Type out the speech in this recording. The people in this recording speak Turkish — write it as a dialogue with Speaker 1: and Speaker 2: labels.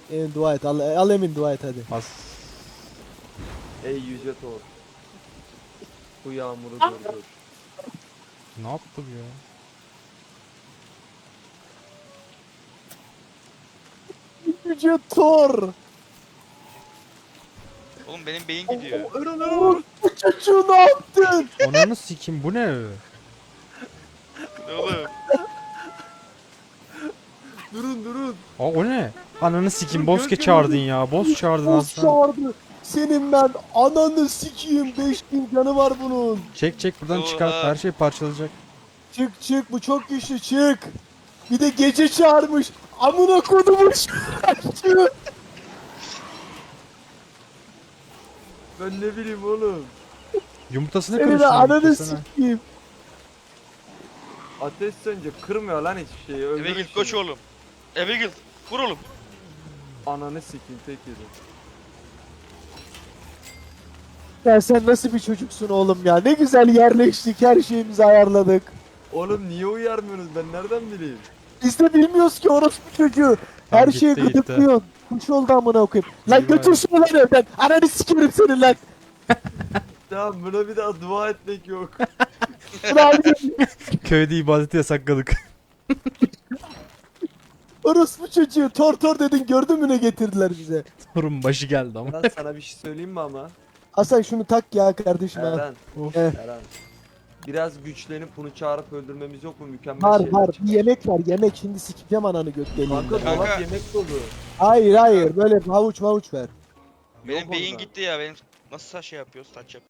Speaker 1: Emin dua et. Al Emin dua et hadi.
Speaker 2: As.
Speaker 3: Ey yüce Thor. Bu yağmuru durdur.
Speaker 2: Ne yaptı bu ya?
Speaker 1: Yüce Thor.
Speaker 4: Oğlum benim beyin gidiyor.
Speaker 1: Bu çocuğu ne yaptın?
Speaker 2: Ananı sikim bu ne?
Speaker 4: Oğlum.
Speaker 3: Durun.
Speaker 2: Aa, o ne? Ananı sikim
Speaker 3: Dur,
Speaker 2: boss
Speaker 3: gör,
Speaker 2: çağırdın ya. Boss çağırdın
Speaker 1: Boss
Speaker 2: aslan.
Speaker 1: çağırdı. Senin ben ananı sikiyim. 5000 canı var bunun.
Speaker 2: Çek buradan
Speaker 4: Oha.
Speaker 2: çıkart. Her şey parçalanacak.
Speaker 1: Çık bu çok güçlü çık. Bir de gece çağırmış. Amına kodumuş.
Speaker 3: Ben ne bileyim oğlum.
Speaker 2: Yumurtasını
Speaker 1: Senin
Speaker 2: kırmışsın.
Speaker 1: ananı
Speaker 2: yumurtasını.
Speaker 1: sikiyim.
Speaker 3: Ateş sönce kırmıyor lan hiçbir şeyi.
Speaker 4: Eve
Speaker 3: Öldürün
Speaker 4: git koç
Speaker 3: şunu.
Speaker 4: oğlum. Eve git. Vur oğlum.
Speaker 3: Ananı sikeyim tek yedim.
Speaker 1: Ya sen nasıl bir çocuksun oğlum ya? Ne güzel yerleştik. Her şeyimizi ayarladık.
Speaker 3: Oğlum niye uyarmıyorsunuz ben nereden bileyim?
Speaker 1: Biz de bilmiyoruz ki orospu çocuğu.
Speaker 2: Tamam,
Speaker 1: Her şeyi
Speaker 2: gitti.
Speaker 1: gıdıklıyorsun. Kuş oldu amına koyayım. Lan
Speaker 2: İyi
Speaker 1: götür
Speaker 2: bari.
Speaker 1: şunu lan evden. Ananı sikerim senin lan.
Speaker 3: Tamam buna bir daha dua etmek yok.
Speaker 1: Ulan
Speaker 2: Köyde ibadeti yasakladık.
Speaker 1: orospu çocuğu. Tor dedin gördün mü ne getirdiler bize.
Speaker 2: Torun başı geldi ama.
Speaker 3: Eren sana bir şey söyleyeyim mi ama?
Speaker 1: Hasan şunu tak ya kardeşim ha.
Speaker 3: Eren.
Speaker 2: Of.
Speaker 3: Eren. Biraz güçlenip bunu çağırıp öldürmemiz yok mu? Mükemmel
Speaker 1: Var
Speaker 3: şeyler
Speaker 1: var.
Speaker 3: çıkar.
Speaker 1: Bir yemek var. Yemek şimdi sikeceğim ananı göt
Speaker 3: Kanka
Speaker 1: deliğinden.
Speaker 3: dolap
Speaker 4: Kanka.
Speaker 3: yemek dolu.
Speaker 1: Hayır böyle havuç ver.
Speaker 4: Benim
Speaker 3: Yok
Speaker 4: beyin
Speaker 3: onda.
Speaker 4: gitti ya. Benim nasıl şey yapıyoruz? Saç yap.